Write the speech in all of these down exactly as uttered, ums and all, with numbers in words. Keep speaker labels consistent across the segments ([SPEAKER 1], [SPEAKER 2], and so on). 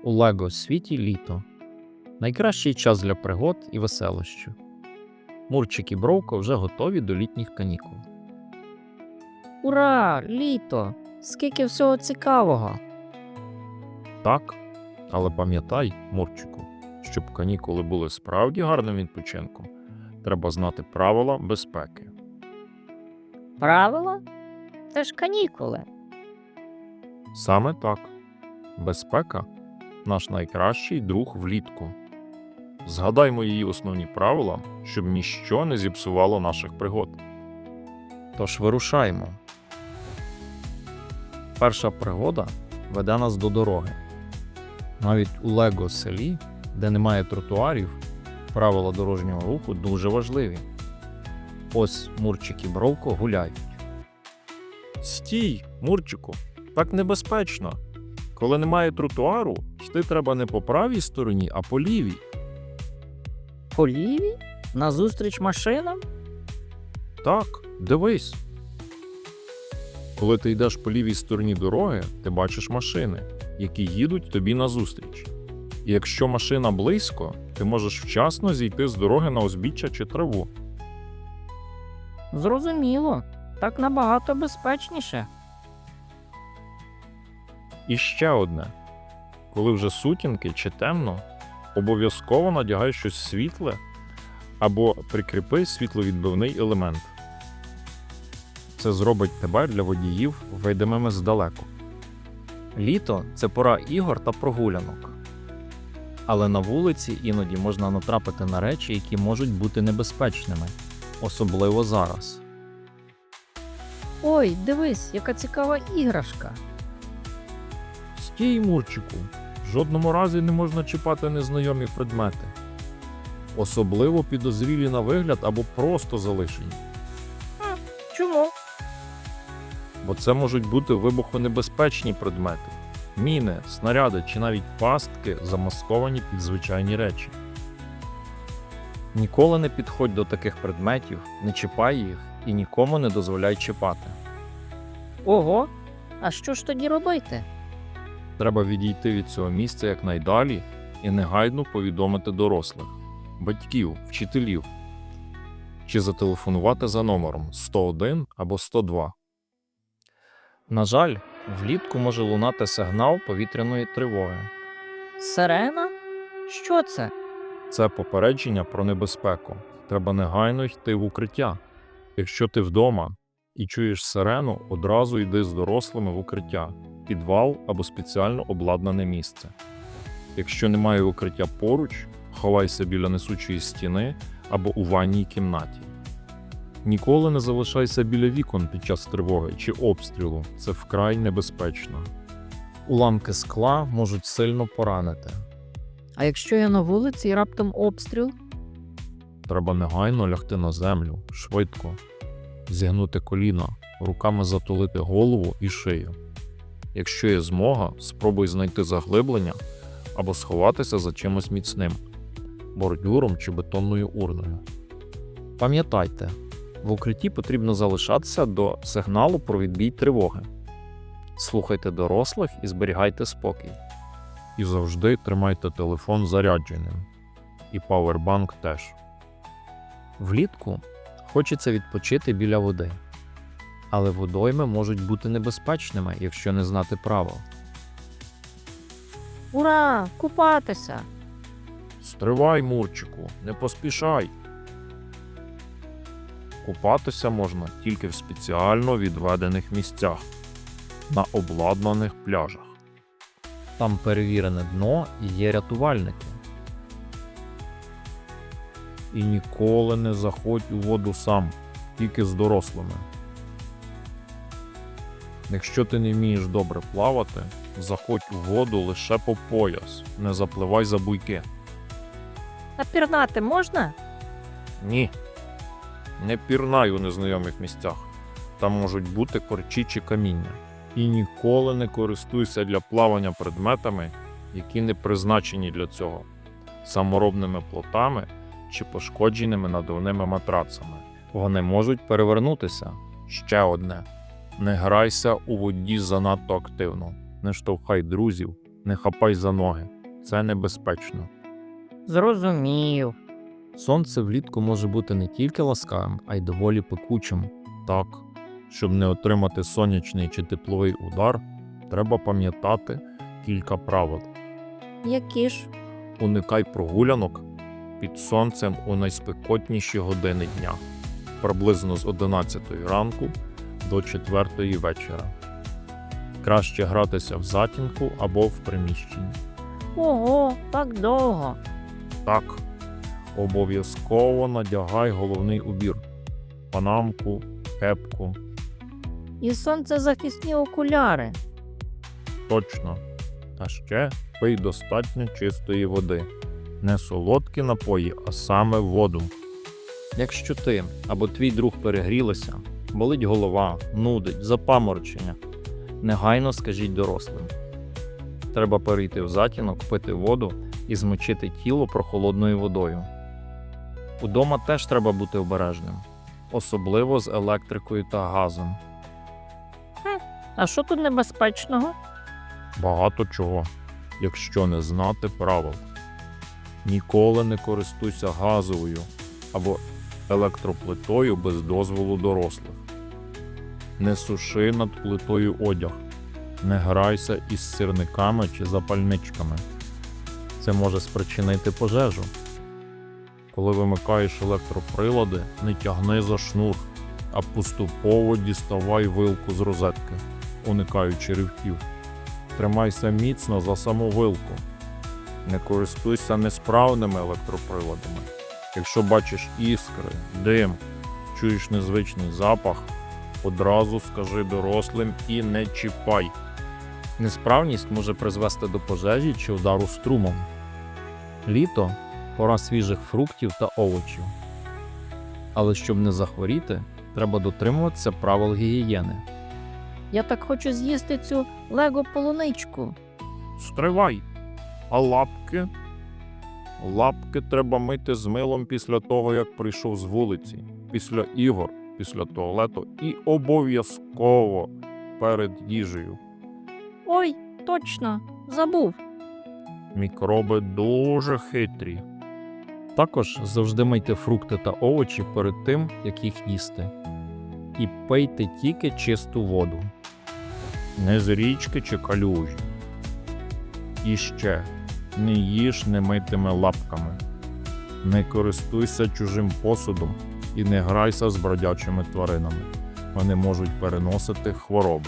[SPEAKER 1] У Лего світі літо. Найкращий час для пригод і веселощів. Мурчик і Бровко вже готові до літніх канікул.
[SPEAKER 2] Ура! Літо! Скільки всього цікавого!
[SPEAKER 1] Так, але пам'ятай, Мурчику, щоб канікули були справді гарним відпочинком, треба знати правила безпеки.
[SPEAKER 2] Правила? Це ж канікули.
[SPEAKER 1] Саме так. Безпека – наш найкращий друг влітку. Згадаймо її основні правила, щоб ніщо не зіпсувало наших пригод. Тож вирушаємо. Перша пригода веде нас до дороги. Навіть у Лего селі, де немає тротуарів, правила дорожнього руху дуже важливі. Ось Мурчик і Бровко гуляють. Стій, Мурчику, так небезпечно. Коли немає тротуару, йти треба не по правій стороні, а по лівій.
[SPEAKER 2] По лівій? Назустріч машинам?
[SPEAKER 1] Так, дивись. Коли ти йдеш по лівій стороні дороги, ти бачиш машини, які їдуть тобі назустріч. І якщо машина близько, ти можеш вчасно зійти з дороги на узбіччя чи траву.
[SPEAKER 2] Зрозуміло. Так набагато безпечніше.
[SPEAKER 1] І ще одне. Коли вже сутінки чи темно, обов'язково надягай щось світле або прикріпи світловідбивний елемент. Це зробить тебе для водіїв видимими здалеку. Літо – це пора ігор та прогулянок. Але на вулиці іноді можна натрапити на речі, які можуть бути небезпечними, особливо зараз.
[SPEAKER 2] Ой, дивись, яка цікава іграшка.
[SPEAKER 1] Стій, Мурчику, в жодному разі не можна чіпати незнайомі предмети. Особливо підозрілі на вигляд або просто залишені.
[SPEAKER 2] Хм, чому?
[SPEAKER 1] Бо це можуть бути вибухонебезпечні предмети. Міни, снаряди чи навіть пастки, замасковані під звичайні речі. Ніколи не підходь до таких предметів, не чіпай їх і нікому не дозволяй чіпати.
[SPEAKER 2] Ого, а що ж тоді робити?
[SPEAKER 1] Треба відійти від цього місця якнайдалі і негайно повідомити дорослих, батьків, вчителів чи зателефонувати за номером сто один або сто два. На жаль, влітку може лунати сигнал повітряної тривоги.
[SPEAKER 2] Сирена? Що це?
[SPEAKER 1] Це попередження про небезпеку. Треба негайно йти в укриття. Якщо ти вдома і чуєш сирену, одразу йди з дорослими в укриття, підвал або спеціально обладнане місце. Якщо немає укриття поруч, ховайся біля несучої стіни або у ванній кімнаті. Ніколи не залишайся біля вікон під час тривоги чи обстрілу, це вкрай небезпечно. Уламки скла можуть сильно поранити.
[SPEAKER 2] А якщо я на вулиці і раптом обстріл?
[SPEAKER 1] Треба негайно лягти на землю, швидко, зігнути коліна, руками затулити голову і шию. Якщо є змога, спробуй знайти заглиблення або сховатися за чимось міцним – бордюром чи бетонною урною. Пам'ятайте, в укритті потрібно залишатися до сигналу про відбій тривоги. Слухайте дорослих і зберігайте спокій. І завжди тримайте телефон зарядженим. І павербанк теж. Влітку хочеться відпочити біля води. Але водойми можуть бути небезпечними, якщо не знати правил.
[SPEAKER 2] Ура! Купатися!
[SPEAKER 1] Стривай, Мурчику, не поспішай. Купатися можна тільки в спеціально відведених місцях, на обладнаних пляжах. Там перевірене дно і є рятувальники. І ніколи не заходь у воду сам, тільки з дорослими. Якщо ти не вмієш добре плавати, заходь у воду лише по пояс, не запливай за буйки.
[SPEAKER 2] А пірнати можна?
[SPEAKER 1] Ні. Не пірнай у незнайомих місцях. Там можуть бути корчі чи каміння. І ніколи не користуйся для плавання предметами, які не призначені для цього, саморобними плотами чи пошкодженими надувними матрацами. Вони можуть перевернутися. Ще одне. Не грайся у воді занадто активно. Не штовхай друзів Не хапай за ноги. Це небезпечно.
[SPEAKER 2] Зрозумів.
[SPEAKER 1] Сонце влітку може бути не тільки ласкавим, а й доволі пекучим. Так, щоб не отримати сонячний чи тепловий удар, треба пам'ятати кілька правил.
[SPEAKER 2] Які ж?
[SPEAKER 1] Уникай прогулянок під сонцем у найспекотніші години дня, приблизно з одинадцятої ранку до четвертої вечора. Краще гратися в затінку або в приміщенні.
[SPEAKER 2] Ого, так довго.
[SPEAKER 1] Так, обов'язково надягай головний убір – панамку, кепку.
[SPEAKER 2] І сонцезахисні окуляри.
[SPEAKER 1] Точно. А ще пий достатньо чистої води. Не солодкі напої, а саме воду. Якщо ти або твій друг перегрілися, болить голова, нудить, запаморочення, негайно скажіть дорослим. Треба перейти в затінок, пити воду і змочити тіло прохолодною водою. Удома теж треба бути обережним, особливо з електрикою та газом.
[SPEAKER 2] А що тут небезпечного?
[SPEAKER 1] Багато чого, якщо не знати правил. Ніколи не користуйся газовою або електроплитою без дозволу дорослих. Не суши над плитою одяг. Не грайся із сірниками чи запальничками. Це може спричинити пожежу. Коли вимикаєш електроприлади, не тягни за шнур, а поступово діставай вилку з розетки, уникаючи ривків. Тримайся міцно за саму вилку. Не користуйся несправними електроприладами. Якщо бачиш іскри, дим, чуєш незвичний запах, одразу скажи дорослим і не чіпай. Несправність може призвести до пожежі чи удару струмом. Літо – пора свіжих фруктів та овочів. Але щоб не захворіти, треба дотримуватися правил гігієни.
[SPEAKER 2] Я так хочу з'їсти цю лего-полуничку.
[SPEAKER 1] Стривай! А лапки? Лапки треба мити з милом після того, як прийшов з вулиці, після ігор, після туалету і обов'язково перед їжею.
[SPEAKER 2] Ой, точно, забув.
[SPEAKER 1] Мікроби дуже хитрі. Також завжди мийте фрукти та овочі перед тим, як їх їсти. І пийте тільки чисту воду. Не з річки чи калюжі. І ще, не їж немитими лапками. Не користуйся чужим посудом і не грайся з бродячими тваринами. Вони можуть переносити хвороби.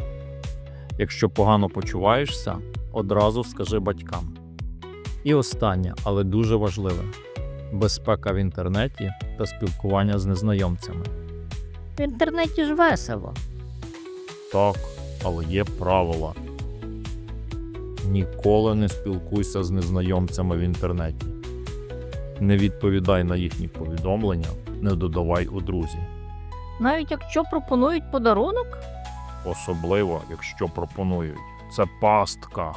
[SPEAKER 1] Якщо погано почуваєшся, одразу скажи батькам. І останнє, але дуже важливе – безпека в інтернеті та спілкування з незнайомцями.
[SPEAKER 2] В інтернеті ж весело.
[SPEAKER 1] Так, але є правила. Ніколи не спілкуйся з незнайомцями в інтернеті. Не відповідай на їхні повідомлення, не додавай у друзі.
[SPEAKER 2] Навіть якщо пропонують подарунок?
[SPEAKER 1] Особливо, якщо пропонують. Це пастка.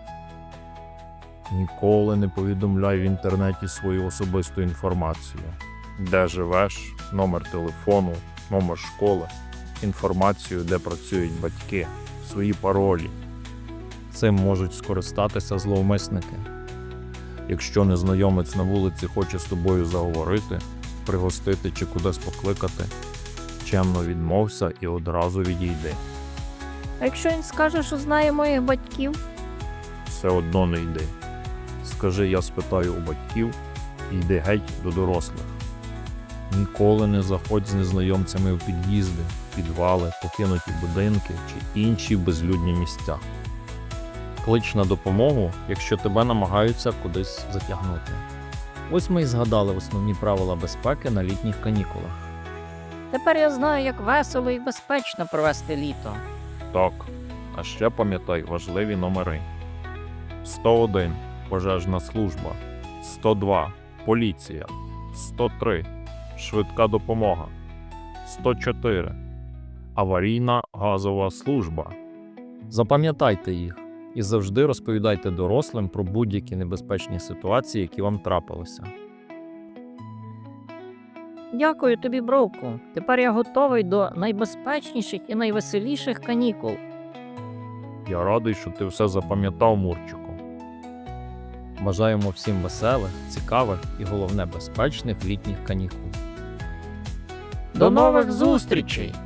[SPEAKER 1] Ніколи не повідомляй в інтернеті свою особисту інформацію. Де живеш, номер телефону, номер школи, інформацію, де працюють батьки, свої паролі. Цим можуть скористатися зловмисники. Якщо незнайомець на вулиці хоче з тобою заговорити, пригостити чи кудись покликати, чемно відмовся і одразу відійди.
[SPEAKER 2] А якщо він скаже, що знає моїх батьків?
[SPEAKER 1] Все одно не йди. Скажи, я спитаю у батьків, і йди геть до дорослих. Ніколи не заходь з незнайомцями в під'їзди, підвали, покинуті будинки чи інші безлюдні місця. Клич на допомогу, якщо тебе намагаються кудись затягнути. Ось ми і згадали основні правила безпеки на літніх канікулах.
[SPEAKER 2] Тепер я знаю, як весело і безпечно провести літо.
[SPEAKER 1] Так, а ще пам'ятай важливі номери. сто один – пожежна служба, сто два – поліція, сто три – швидка допомога, сто чотири – аварійна газова служба. Запам'ятайте їх і завжди розповідайте дорослим про будь-які небезпечні ситуації, які вам трапилися.
[SPEAKER 2] Дякую тобі, Бровку. Тепер я готовий до найбезпечніших і найвеселіших канікул.
[SPEAKER 1] Я радий, що ти все запам'ятав, Мурчику.
[SPEAKER 3] Бажаємо всім веселих, цікавих і головне безпечних літніх канікул.
[SPEAKER 2] До нових зустрічей!